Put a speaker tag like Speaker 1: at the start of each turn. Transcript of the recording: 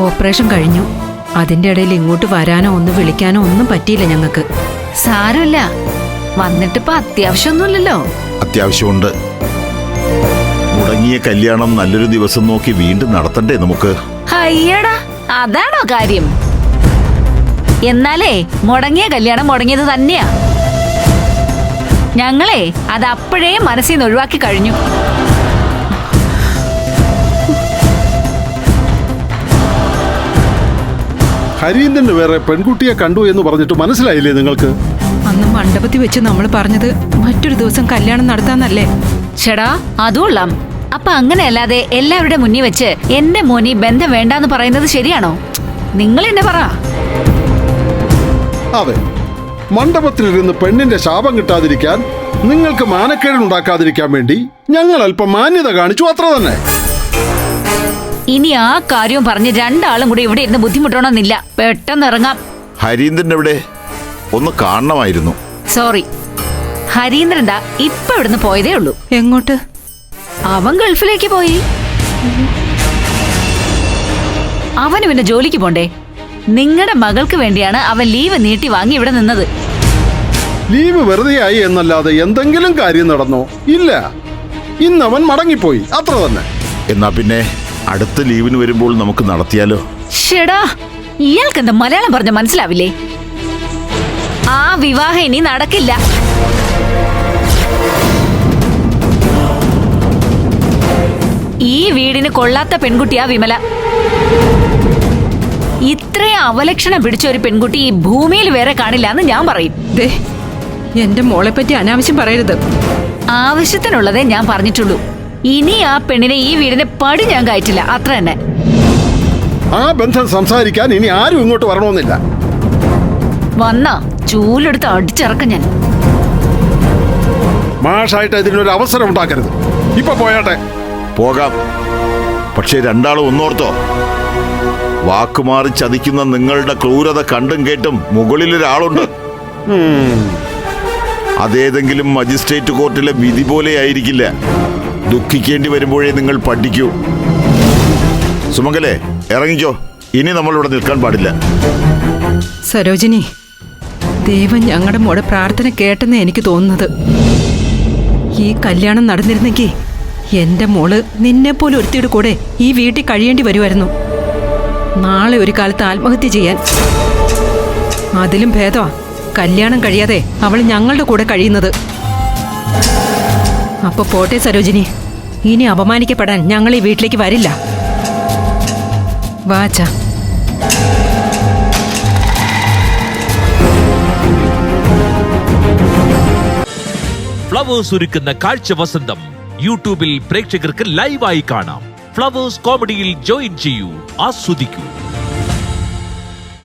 Speaker 1: Operation കഴിഞ്ഞു. അതിന്റെ ഇടയിൽ ഇങ്ങോട്ട് വരാനോ ഒന്ന് വിളിക്കാനോ ഒന്നും പറ്റിയില്ല ഞങ്ങൾക്ക്.
Speaker 2: സാരമില്ല, വന്നിട്ടിപ്പോ അത്യാവശ്യമൊന്നുമില്ലല്ലോ.
Speaker 3: അത്യാവശ്യമുണ്ട്. മുടങ്ങിയ കല്യാണം നല്ലൊരു ദിവസം നോക്കി വീണ്ടും നടത്തണ്ടേ നമുക്ക്?
Speaker 2: അയ്യടാ, അതാണോ കാര്യം? എന്നാലേ മുടങ്ങിയ കല്യാണം മുടങ്ങിയത് തന്നെയാ. ഞങ്ങളെ അത് അപ്പോഴേ മനസ്സിൽ നിന്ന് ഒഴിവാക്കി കഴിഞ്ഞു.
Speaker 4: ഹരീന്ദ്രന് വേറെ പെൺകുട്ടിയെ കണ്ടു എന്ന് പറഞ്ഞിട്ട് മനസ്സിലായില്ലേ നിങ്ങൾക്ക്?
Speaker 1: അന്ന് മണ്ഡപത്തിൽ വെച്ച് നമ്മൾ പറഞ്ഞത് മറ്റൊരു ദിവസം കല്യാണം നടത്താന്നല്ലേ?
Speaker 2: ചേടാ, അതുകൊള്ളാം. അപ്പൊ അങ്ങനെയല്ലാതെ എല്ലാവരുടെ മുന്നിൽ വെച്ച് എന്റെ മോനി ബന്ധം വേണ്ടാന്ന് പറയുന്നത് ശരിയാണോ? നിങ്ങൾ എന്നെ പറ.
Speaker 4: അതെ, മണ്ഡപത്തിലിരുന്ന് പെണ്ണിന്റെ ശാപം കിട്ടാതിരിക്കാൻ, നിങ്ങൾക്ക് മാനക്കേടുണ്ടാക്കാതിരിക്കാൻ വേണ്ടി ഞങ്ങൾ അല്പം മാന്യത കാണിച്ചു, അത്ര തന്നെ.
Speaker 2: ഇനി ആ കാര്യവും പറഞ്ഞ് രണ്ടാളും കൂടി ഇവിടെ ഇരുന്ന് ബുദ്ധിമുട്ടണമെന്നില്ല. പെട്ടെന്ന് ഇറങ്ങാം.
Speaker 3: ഹരീന്ദ്രൻ എവിടെ? ഒന്ന് കാണണമായിരുന്നു.
Speaker 2: സോറി, ഹരീന്ദ്രൻ ദാ ഇപ്പൊ ഇവിടുന്ന് പോയതേ ഉള്ളൂ.
Speaker 1: എങ്ങോട്ട്?
Speaker 2: അവൻ ഗൾഫിലേക്ക് പോയി. അവന് പിന്നെ ജോലിക്ക് പോണ്ടേ? നിങ്ങളുടെ മകൾക്ക് വേണ്ടിയാണ് അവൻ ലീവ് നീട്ടി വാങ്ങി ഇവിടെ നിന്നത്.
Speaker 4: ലീവ് വെറുതെ ആയി എന്നല്ലാതെ എന്തെങ്കിലും കാര്യം നടന്നോ? ഇല്ല, ഇന്നവൻ മടങ്ങിപ്പോയി, അത്ര തന്നെ.
Speaker 3: എന്നാ പിന്നെ അടുത്ത ലീവിന് വരുമ്പോൾ നമുക്ക് നടത്തിയാലോ?
Speaker 2: ഷെടാ, ഇയാൾക്ക് എന്താ മലയാളം പറഞ്ഞ മനസ്സിലാവില്ലേ? ആ വിവാഹം ഇനി നടക്കില്ല. ഈ വീടിന് കൊള്ളാത്ത പെൺകുട്ടിയാ വിമല. ഇത്രയും അവലക്ഷണം പിടിച്ച ഒരു പെൺകുട്ടി ഈ ഭൂമിയിൽ വേറെ കാണില്ല എന്ന് ഞാൻ പറയും.
Speaker 1: ദേ, എന്റെ മോളെ പറ്റി അനാവശ്യം പറയരുത്.
Speaker 2: ആവശ്യത്തിനുള്ളതേ ഞാൻ പറഞ്ഞിട്ടുള്ളൂ. ഇനി ആ പെണ്ണിനെ ഈ വീടിന് പടി ഞാൻ കയറ്റില്ല, അത്ര തന്നെ.
Speaker 4: ആ ബന്ധം സംസാരിക്കാൻ ഇനി ആരും ഇങ്ങോട്ട് വരണമെന്നില്ല.
Speaker 2: വന്നാ ചൂലെടുത്ത് അടിച്ചിറക്കം ഞാൻ.
Speaker 4: മാഷായിട്ട് ഇതിനൊരു അവസരം ഉണ്ടാക്കരുത്. ഇപ്പൊ പോയാട്ടെ.
Speaker 3: പോകാം. പക്ഷെ രണ്ടാളും ഒന്നോർത്തോ, വാക്കുമാറി ചതിക്കുന്ന നിങ്ങളുടെ ക്രൂരത കണ്ടും കേട്ടും മുകളിലൊരാളുണ്ട്. അതേതെങ്കിലും മജിസ്ട്രേറ്റ് കോർട്ടിലെ വിധി പോലെ ആയിരിക്കില്ല. ദുഃഖിക്കേണ്ടി വരുമ്പോഴേ നിങ്ങൾ പഠിക്കൂ. സുമംഗലേ, ഇറങ്ങിക്കോ. ഇനി നമ്മളിവിടെ നിൽക്കാൻ പാടില്ല.
Speaker 1: സരോജിനി, ദൈവം ഞങ്ങളുടെ മോടെ പ്രാർത്ഥന കേട്ടെന്ന് എനിക്ക് തോന്നുന്നത്. ഈ കല്യാണം നടന്നിരുന്നെങ്കിൽ എന്റെ മോള് നിന്നെപ്പോലെ ഒരുത്തിയുടെ കൂടെ ഈ വീട്ടിൽ കഴിയേണ്ടി വരുമായിരുന്നു. നാളെ ഒരു കാലത്ത് ആത്മഹത്യ ചെയ്യാൻ. അതിലും ഭേദമാ കല്യാണം കഴിയാതെ അവൾ ഞങ്ങളുടെ കൂടെ കഴിയുന്നത്. അപ്പൊ പോട്ടെ സരോജിനി, ഇനി അപമാനിക്കപ്പെടാൻ ഞങ്ങൾ ഈ വീട്ടിലേക്ക് വരില്ല. വാച്ചാ.
Speaker 5: ഫ്ലവേഴ്സ് ഒരുക്കുന്ന കാഴ്ച വസന്തം യൂട്യൂബിൽ പ്രേക്ഷകർക്ക് ലൈവായി കാണാം. ഫ്ലവേഴ്സ് കോമഡിയിൽ ജോയിൻ ചെയ്യൂ, ആസ്വദിക്കൂ.